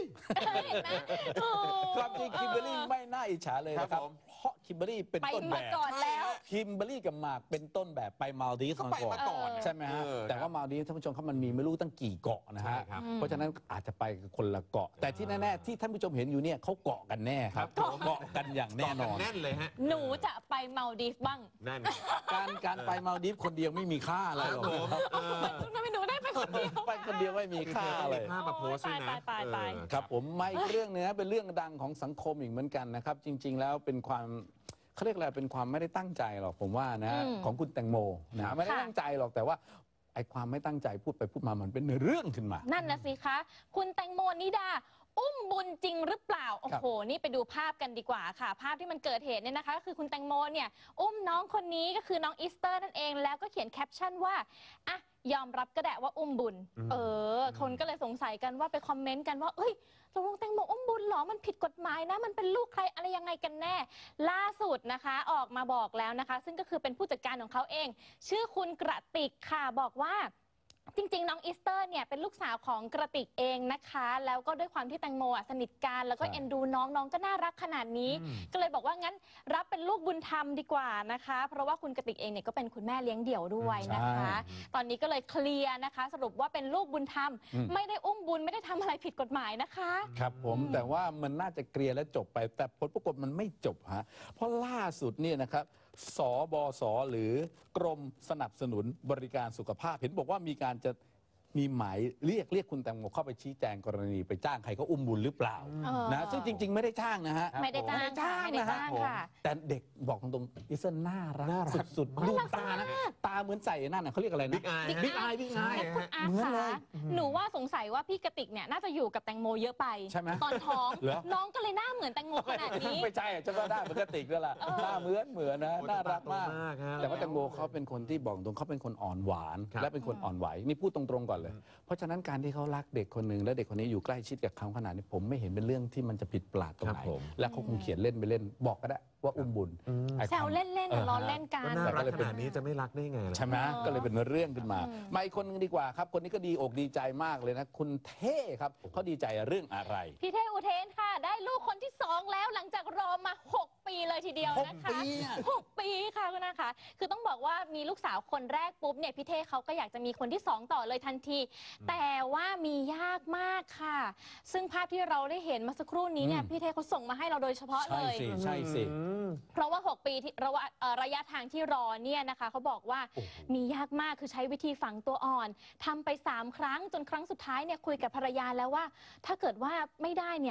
[SPEAKER 1] ความจริงคิมเบอร์รี่ไม่น่าอิจฉาเลยนะค
[SPEAKER 2] ครั
[SPEAKER 1] รับบ
[SPEAKER 2] ผม
[SPEAKER 1] เพราะคิมเบอร์รี่เป็น
[SPEAKER 3] ไป
[SPEAKER 1] ต้นแบ
[SPEAKER 3] มา
[SPEAKER 1] บ
[SPEAKER 3] ก่อนแล้ว
[SPEAKER 1] คิมเบอร์รี่กับหมากเป็นต้นแบบไปมาลดีฟส์
[SPEAKER 2] ก็ไปมาก่อน
[SPEAKER 1] ใช่ไหมฮะ แต่ว่ามาลดีฟส์ท่านผู้ชมครับมันมีไม่รู้ตั้งกี่เกาะนะ
[SPEAKER 2] ใช่
[SPEAKER 1] ฮะ
[SPEAKER 2] ครับ
[SPEAKER 1] เพราะฉะนั้นอาจจะไปคนละเกาะ แต่ที่แน่ๆที่ท่านผู้ชมเห็นอยู่เนี่ยเขาเกาะกันแน่ครับ
[SPEAKER 2] ครับผม
[SPEAKER 1] เกาะกันอย่างแน่นอน
[SPEAKER 2] แน่นเลยฮะ
[SPEAKER 3] หนูจะไปเมาดีฟบ้าง
[SPEAKER 2] นั่น
[SPEAKER 1] การไปมาลดีฟส์คนเดียวไม่มีค่าอะไร
[SPEAKER 2] ครับ
[SPEAKER 1] หรอก
[SPEAKER 2] ผม
[SPEAKER 1] ครับ
[SPEAKER 3] ทำไมหนูได้ไปคนเดียว
[SPEAKER 1] ไปคนเดียวไม่มีค่าอะไร
[SPEAKER 2] ภาพมาโพสต์ด้วยนะ
[SPEAKER 3] ตาย
[SPEAKER 1] ครับผมมาอีกเรื่องหนึงนะเป็นเรื่องดังของสังคมอีกเหมือนกันนะครับ จริง ๆ แล้วเป็นความเขาเรียกอะไรเป็นความไม่ได้ตั้งใจหรอกผมว่านะของคุณแตงโมนะไม่ได้ตั้งใจหรอกแต่ว่าไอ้ความไม่ตั้งใจพูดไปพูดมามันเป็นเรื่องขึ้นมา
[SPEAKER 3] นั่นนะสิคะ คุณแตงโมนิดา อุ้มบุญจริงหรือเปล่า โอ้โห นี่ไปดูภาพกันดีกว่าค่ะ ภาพที่มันเกิดเหตุเนี่ยนะคะก็คือคุณแตงโมเนี่ยอุ้มน้องคนนี้ก็คือน้องอีสเตอร์นั่นเอง แล้วก็เขียนแคปชั่นว่าอ่ะยอมรับก็ได้ว่าอุ้มบุญ คนก็เลยสงสัยกันว่าไปคอมเมนต์กันว่าเอ้ยตกลงแตงโมอุ้มบุญเหรอ มันผิดกฎหมายนะ มันเป็นลูกใครอะไรยังไงกันแน่ ล่าสุดนะคะออกมาบอกแล้วนะคะ ซึ่งก็คือเป็นผู้จัดการของเขาเอง ชื่อคุณกระติกค่ะบอกว่าจริงๆน้องอีสเตอร์เนี่ยเป็นลูกสาวของกระติกเองนะคะแล้วก็ด้วยความที่แตงโมสนิทกันแล้วก็
[SPEAKER 1] ใช่
[SPEAKER 3] เอ็นดูน้องก็น่ารักขนาดนี้ ก็เลยบอกว่างั้นรับเป็นลูกบุญธรรมดีกว่านะคะ เพราะว่าคุณกระติกเองเนี่ยก็เป็นคุณแม่เลี้ยงเดี่ยวด้วยนะคะ ตอนนี้ก็เลยเคลียร์นะคะ สรุปว่าเป็นลูกบุญธรรม ไม่ได้อุ้มบุญไม่ได้ทำอะไรผิดกฎหมายนะคะ
[SPEAKER 1] ครับผมแต่ว่ามันน่าจะเคลียร์และจบไป แต่ผลปรากฏมันไม่จบฮะเพราะล่าสุดเนี่ยนะครับสบสหรือกรมสนับสนุนบริการสุขภาพ เห็นบอกว่ามีการจะมีหมายเรียกคุณแตงโมเข้าไปชี้แจงกรณีไปจ้างใครเขาอุ้มบุญหรือเปล่า นะซึ่งจริง ๆ ไม่ได้จ้างนะฮะ
[SPEAKER 3] ไม่ได้จ้างค่ะไม่ได้จ้างค่ะ
[SPEAKER 1] แต่เด็กบอกตรงๆอิสเซนน่ารักสุดๆดูตานะตาเหมือนใส่นั่นน่ะเขาเรียกอะไรนะ
[SPEAKER 2] บิ๊กอาย
[SPEAKER 1] บิ๊กอายบิ๊กอาย
[SPEAKER 3] คุณอา
[SPEAKER 1] เหมือนเล
[SPEAKER 3] คะ
[SPEAKER 1] ย
[SPEAKER 3] หนูว่าสงสัยว่าพี่กระติกเนี่ยน่าจะอยู่กับแตงโมเยอะไป
[SPEAKER 1] ใช่ไหม
[SPEAKER 3] ตอนท้อง
[SPEAKER 1] เหรอ
[SPEAKER 3] น้องก็เลยหน้าเหมือนแตงโมขนาดนี้
[SPEAKER 1] ไม่ใช่ฉันว่าหน้าเหมือนกระติกนั่นแหละหน้าเหมือนนะ
[SPEAKER 2] โอ้ย
[SPEAKER 1] น่ารักมาก
[SPEAKER 2] ตาโตมากฮะ
[SPEAKER 1] แต่ว่าแตงโมเขาเป็นคนที่บอกตรงเขาเป็นคนอ่อนหวาน
[SPEAKER 2] ครับ
[SPEAKER 1] และเป็นคนอ่อนไหวนี่พูดตรงๆก่อนเลย เพราะฉะนั้นการที่เขารักเด็กคนหนึ่งและเด็กคนนี้อยู่ใกล้ชิดกับเขาขนาดนี้ผมไม่เห็นเป็นเรื่องที่มันจะผิดแปลกตรงไหน
[SPEAKER 2] ครับผม
[SPEAKER 1] และเขาคงเขียนเล่นไปเล่น บอกก็ได้ว่าอุ้มบุญไอ้
[SPEAKER 3] แซวเล่นๆล้อเล่นกั
[SPEAKER 2] ก็
[SPEAKER 3] น
[SPEAKER 2] น่ารักขนาดนี้จะไม่รักได้ไงล่ะ
[SPEAKER 1] ใช่ไหมก็เลยเป็นเรื่องขึ้นมามาอีกคนนึงดีกว่าครับคนนี้ก็ดีอกดีใจมากเลยนะคุณเท่ครับเขาดีใจเรื่องอะไร
[SPEAKER 3] พี่เท่อุเทนค่ะ ได้ลูกคนที่ 2 แล้วหลังจากรอมา 6 ปีเลยทีเดียวนะคะ
[SPEAKER 1] 6 ปีอะ
[SPEAKER 3] 6 ปีค่ะคุณนะคะคือต้องบอกว่ามีลูกสาวคนแรกปุ๊บเนี่ยพี่เท่เขาก็อยากจะมีคนที่ 2 ต่อเลยทันที แต่ว่ามียากมากค่ะ ซึ่งภาพที่เราได้เห็นเมาสักครู่นี้เนี่ยพี่เท่เขาส่งมาให้เราโดยเฉพาะเล
[SPEAKER 1] ใช่
[SPEAKER 3] ย
[SPEAKER 1] สิใช่สิ
[SPEAKER 3] เพราะว่า 6 ปีที่ระยะทางที่รอเนี่ยนะคะเขาบอกว่ามียากมากคือใช้วิธีฝังตัวอ่อนทำไป3 ครั้งจนครั้งสุดท้ายเนี่ยคุยกับภรรยาแล้วว่า ถ้าเกิดว่าไม่ได้เนี่ย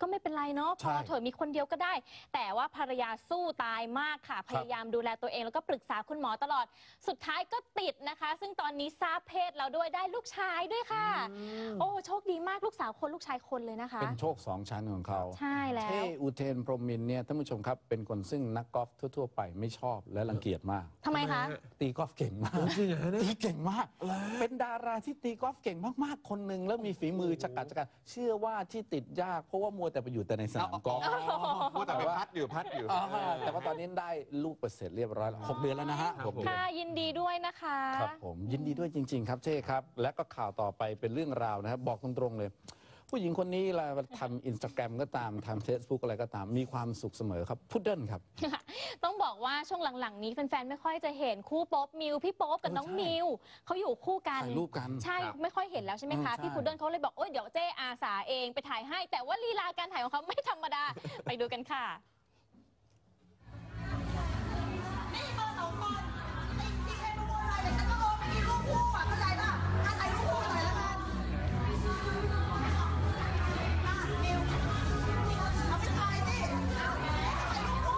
[SPEAKER 3] ก็ไม่เป็นไรเนาะพ
[SPEAKER 1] ใช่
[SPEAKER 3] อเถอะมีคนเดียวก็ได้ แต่ว่าภรรยาสู้ตายมากค่ะ พยายามดูแลตัวเองแล้วก็ปรึกษาคุณหมอตลอดสุดท้ายก็ติดนะคะ ซึ่งตอนนี้ทราบเพศแล้วด้วยได้ลูกชายด้วยค่ะ โอ้โชคดีมากลูกสาวคนลูกชายคนเลยนะคะ
[SPEAKER 1] เป็นโชคสองชั้นของเขา
[SPEAKER 3] ใช่แล้ว
[SPEAKER 1] เท่อุเทนพรหมินทร์เนี่ยท่านผู้ชมครับเป็นคนซึ่งนักกอล์ฟทั่วๆไปไม่ชอบและรังเกียจมาก
[SPEAKER 3] ทำไมคะ
[SPEAKER 1] ตีกอล์ฟเก่งมากตีเก่งมาก เป็นดาราที่ตีกอล์ฟเก่งมากๆคนหนึ่งแล้วมีฝีมือจักรเชื่อว่าที่ติดยากเพราะว่ามัวแต่ไปอยู่แต่ในสนามกอล์ฟ
[SPEAKER 2] พูดแต่ไปพัดอยู่
[SPEAKER 1] แต่ว่าตอนนี้ได้ลูกเปอร์เซ็นต์เรียบร้อยแล้ว6 เดือนแล้วนะฮะ
[SPEAKER 2] ครับ
[SPEAKER 1] 6 เดือน
[SPEAKER 3] ค่ะยินดีด้วยนะคะ
[SPEAKER 1] ครับผมยินดีด้วยจริง ๆ ครับเช่ครับ และก็ข่าวต่อไปเป็นเรื่องราวนะครับบอกตรงๆเลย ผู้หญิงคนนี้เราทำอินสตาแกรมก็ตามทำ Facebook อะไรก็ตามมีความสุขเสมอครับพุดเดิ้ลครับ
[SPEAKER 3] ต้องบอกว่าช่วงหลังๆนี้แฟนๆไม่ค่อยจะเห็นคู่โป๊ปมิวพี่โป๊ปกับน้อง
[SPEAKER 1] ใช่
[SPEAKER 3] มิวเขาอยู่คู่กัน
[SPEAKER 1] ถ่ายรูปกัน
[SPEAKER 3] ใช่
[SPEAKER 2] ครับ
[SPEAKER 3] ไม่ค่อยเห็นแล้วใช่ไหมคะ
[SPEAKER 1] ใช่
[SPEAKER 3] พี่พุดเดิ้ลเขาเลยบอกโอ๊ยเดี๋ยวเจ๊อาสาเองไปถ่ายให้ แต่ว่าลีลาการถ่ายของเขาไม่ธรรมดา ไปดูกันค่ะ
[SPEAKER 6] นี่เบอร์2 คนจริงๆใครมาโวยวายแต่ฉันก็โอนไม่มีรูปคู่อ่ะเข้าใจป่ะถ่ายรูปคู่หน่อยแล้วกันมิวเอาไปถ่ายสิถ่ายรูปคู่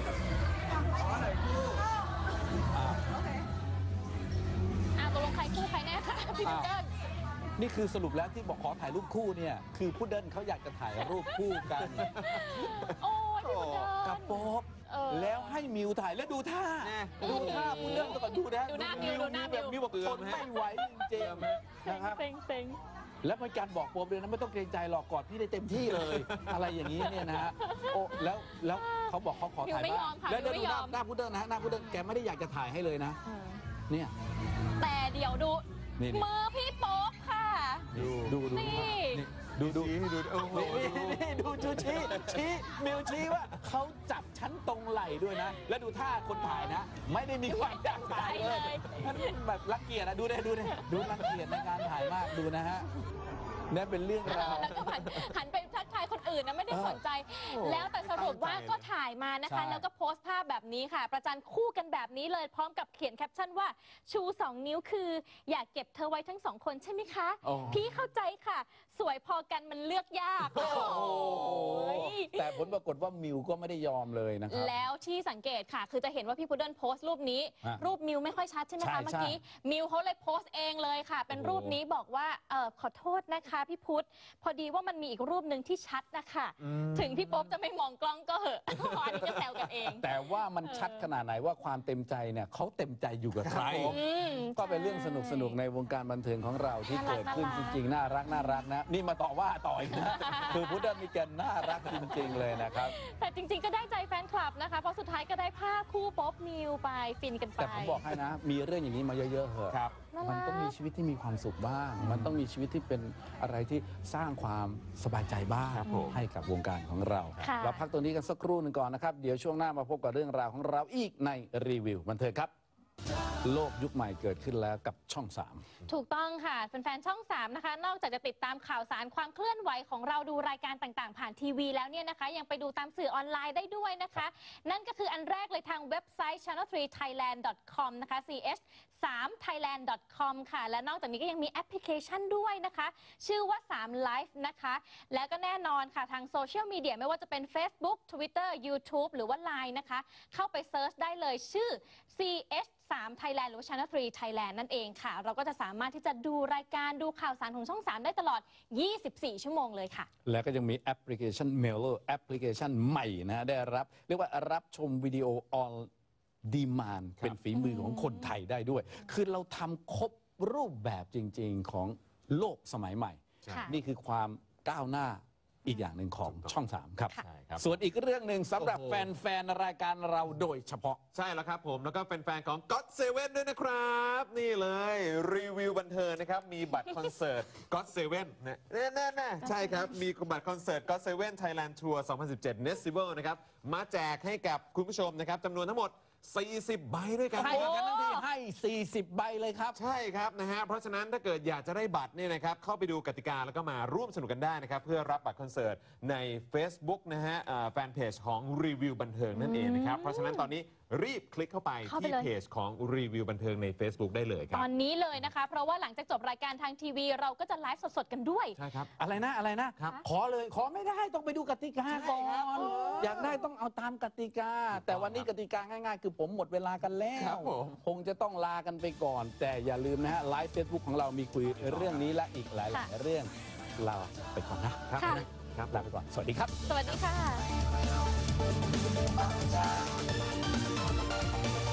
[SPEAKER 3] ตกลงใครคู่ใครแน่คะพี่พุดเดิ้ล
[SPEAKER 1] นี่คือสรุปแล้วที่บอกขอถ่ายรูปคู่เนี่ยคือพุดเดิ้ลเขาอยากจะถ่ายรูปคู่กัน
[SPEAKER 3] โอ้ยพี่พุดเดิ้ล
[SPEAKER 1] กับโป๊ป
[SPEAKER 3] เออ
[SPEAKER 1] แล้วให้มิวถ่ายแล้วดูท่า
[SPEAKER 2] แน่
[SPEAKER 1] ดูท่าพุดเดิ้ลก่อนดูนะ
[SPEAKER 3] ดูหน้ามิวดูหน้ามิว
[SPEAKER 1] แบบมิวบอกทนไม่ไหวจริงๆนะครับ
[SPEAKER 3] เซ็ง
[SPEAKER 1] แล้วมีการบอกโป๊ปเลยนะไม่ต้องเกรงใจหรอกกอดพี่ได้เต็มที่เลย อะไรอย่างนี้เนี่ยนะฮะโอ้แล้วเขาบอกเขาขอถ่าย
[SPEAKER 3] มิวไม่ย
[SPEAKER 1] บ้า
[SPEAKER 3] อง มค่ะ
[SPEAKER 1] แล้ว
[SPEAKER 3] มิว
[SPEAKER 1] ดู
[SPEAKER 3] ไม่
[SPEAKER 1] ห
[SPEAKER 3] ย
[SPEAKER 1] น้า
[SPEAKER 3] อม
[SPEAKER 1] หน้าพุดเดิ้ลนะฮะหน้าพุดเดิ้ลแกไม่ได้อยากจะถ่ายให้เลยนะ
[SPEAKER 3] เออ
[SPEAKER 1] เนี่ย
[SPEAKER 3] แต่เดี๋ยวดู
[SPEAKER 1] นี่
[SPEAKER 3] มือพี่โป๊ปค่ะ
[SPEAKER 1] ดู
[SPEAKER 3] นี่
[SPEAKER 1] ดู
[SPEAKER 2] ดูโอ้โห
[SPEAKER 1] นี่ดูชี้มิวชี้ว่าเขาจับชั้นตรงไหล่ด้วยนะ แล้วดูท่าคนถ่ายนะ ไม่ได้มีความอยากถ่ายเลยมันแบบรังเกียจนะดูรังเกียจในการถ่ายมากดูนะฮะเนี่ยเป็นเรื่องราว
[SPEAKER 3] แล้วก็หันไปทักทายคนอื่นนะไม่ได้สนใจ
[SPEAKER 1] โอ้
[SPEAKER 3] แล้วแต่สรุปว่า
[SPEAKER 2] ตั้งใจ
[SPEAKER 3] ก็ถ่ายมานะคะ
[SPEAKER 1] ใช่
[SPEAKER 3] แล้วก็โพสต์ภาพแบบนี้ค่ะ ประจันคู่กันแบบนี้เลยพร้อมกับเขียนแคปชั่นว่าชู 2 นิ้วคือ อยากเก็บเธอไว้ทั้ง 2 คนใช่ไหมคะ
[SPEAKER 1] โอ้
[SPEAKER 3] พี่เข้าใจค่ะ สวยพอกันมันเลือกยาก
[SPEAKER 1] โอ้โห
[SPEAKER 3] โอ้ย
[SPEAKER 1] แต่ผลปรากฏว่ามิวก็ไม่ได้ยอมเลยนะครับ
[SPEAKER 3] แล้วที่สังเกตค่ะ คือจะเห็นว่าพี่พุดเดิ้ลโพสต์รูปนี้
[SPEAKER 1] ฮะ
[SPEAKER 3] รูปมิวไม่ค่อยชัดใช่ไหม
[SPEAKER 1] ใช่
[SPEAKER 3] คะเมื่อกี้มิวเขาเลยโพสต์เองเลยค่ะ เป็น
[SPEAKER 1] โอ้โห
[SPEAKER 3] รูปนี้บอกว่าขอโทษนะคะพี่พุทธพอดีว่ามันมีอีกรูปหนึ่งที่ชัดนะคะถึงพี่โป๊ปจะไม่มองกล้องก็เหอะ อันนี้ก็แซวกันเอง
[SPEAKER 1] แต่ว่ามันชัดขนาดไหนว่าความเต็มใจเนี่ยเขาเต็มใจอยู่กับใคร
[SPEAKER 3] อืม
[SPEAKER 1] ก็เป็นเรื่องสนุกๆในวงการบันเทิงของเราที่
[SPEAKER 3] น่ารัก
[SPEAKER 1] เกิดขึ้น
[SPEAKER 3] น่ารั
[SPEAKER 1] จ
[SPEAKER 3] ก
[SPEAKER 1] ริงๆน่ารักนะ นี่มาต่อว่าต่ออีกนะ คือพุทธมีแกนน่ารักจริงๆเลยนะครับ
[SPEAKER 3] แต่จริงๆก็ได้ใจแฟนคลับนะคะ เพราะสุดท้ายก็ได้ภาพคู่โป๊ปมิวไปฟินกันไป
[SPEAKER 1] แต่ผมบอกให้นะ มีเรื่องอย่างนี้มาเยอะๆเหอะ
[SPEAKER 2] ครับ
[SPEAKER 3] น่ารัก
[SPEAKER 1] มันต้องมีชีวิตที่มีความสุขบ้าง มันต้องมีชีวิตที่เป็นอะไรที่สร้างความสบายใจบ้าง
[SPEAKER 2] ครับผม
[SPEAKER 1] ให้กับวงการของเรา
[SPEAKER 3] ค่ะ
[SPEAKER 1] เราพักตัวนี้กันสักครู่หนึ่งก่อนนะครับ เดี๋ยวช่วงหน้ามาพบกับเรื่องราวของเราอีกในรีวิวบันเทิงครับ โลกยุคใหม่เกิดขึ้นแล้วกับช่อง 3
[SPEAKER 3] ถูกต้องค่ะแฟนๆช่อง 3 นะคะ นอกจากจะติดตามข่าวสารความเคลื่อนไหวของเราดูรายการต่างๆ ผ่านทีวีแล้วเนี่ยนะคะ ยังไปดูตามสื่อออนไลน์ได้ด้วยนะคะ นั่นก็คืออันแรกเลยทางเว็บไซต์ channel3thailand.com นะคะ ch3thailand.com ค่ะ และนอกจากนี้ก็ยังมีแอปพลิเคชันด้วยนะคะ ชื่อว่า 3 Live นะคะ แล้วก็แน่นอนค่ะทางโซเชียลมีเดียไม่ว่าจะเป็น Facebook Twitter YouTube หรือว่า Line นะคะ เข้าไปเซิร์ชได้เลยชื่อ ch3 Thailand หรือว่า Channel 3 Thailand นั่นเองค่ะ เราก็จะสามารถที่จะดูรายการดูข่าวสารของช่อง 3 ได้ตลอด 24 ชั่วโมงเลยค่ะ
[SPEAKER 1] แล้วก็ยังมีแอปพลิเคชัน Mailer แอปพลิเคชันใหม่นะได้รับ เรียกว่ารับชมวิดีโอออนดีมานเป็นฝีมือของคนไทยได้ด้วย คือเราทำครบรูปแบบจริง ๆ ของโลกสมัยใหม่
[SPEAKER 3] ค่ะ
[SPEAKER 1] นี่คือความก้าวหน้าอีกอย่างหนึ่งของช่อง 3 ครับ
[SPEAKER 3] ค่ะ
[SPEAKER 2] ใช่ครับ
[SPEAKER 1] ส่วนอีกเรื่องหนึ่งสำหรับ
[SPEAKER 2] โอ้โห
[SPEAKER 1] แฟนๆรายการเราโดยเฉพาะ
[SPEAKER 2] ใช่แล้วครับผมแล้วก็เป็นแฟนของ God Seven ด้วยนะครับ นี่เลยรีวิวบันเทิงนะครับ มีบัตรคอนเสิร์ต God Seven นะแน่ๆใช่ครับ มีบัตรคอนเสิร์ต God Seven Thailand Tour 2017 Festival นะครับ มาแจกให้กับคุณผู้ชมนะครับจำนวนทั้งหมด 40 ใบด้วยกัน
[SPEAKER 1] ให้กันทั้งทีให้ 40 ใบเลยครับ
[SPEAKER 2] ใช่ครับนะฮะเพราะฉะนั้นถ้าเกิดอยากจะได้บัตรเนี่ยนะครับเข้าไปดูกติกาแล้วก็มาร่วมสนุกกันได้นะครับเพื่อรับบัตรคอนเสิร์ตใน Facebook นะฮะแฟนเพจของรีวิวบันเทิงนั่นเองนะครับเพราะฉะนั้นตอนนี้รีบคลิกเข้าไปที่เพจของรีวิวบันเทิงใน Facebook ได้เลยค
[SPEAKER 3] ต
[SPEAKER 2] รับ
[SPEAKER 3] อนนี้เลยนะคะ เพราะว่าหลังจากจบรายการทางทีวี เราก็จะไลฟ์สดๆกันด้วย
[SPEAKER 2] ใช่ครับ
[SPEAKER 1] อะไรนะครับ ขอเลยขอไม่ได้ต้องไปดูกติกาก่อ
[SPEAKER 2] ใช่ครับ
[SPEAKER 1] นอยากได้ต้องเอาตามกติกา แต่วันนี้กติกาง่ายๆ คือผมหมดเวลากันแล้
[SPEAKER 2] ครั
[SPEAKER 1] ว
[SPEAKER 2] บผม
[SPEAKER 1] คงจะต้องลากันไปก่อน แต่อย่าลืมนะฮะไลฟ์เฟซบุ๊กของเรามีคุยเรื่องนี้และอีกหลาย
[SPEAKER 3] ค่ะ
[SPEAKER 1] ๆเรื่องลาไปก่อนนะ
[SPEAKER 2] ครับ
[SPEAKER 3] ค่ะ
[SPEAKER 2] ครับ
[SPEAKER 1] ลาไปก่อนสวัสดีครับ
[SPEAKER 3] สวัสดีค่ะ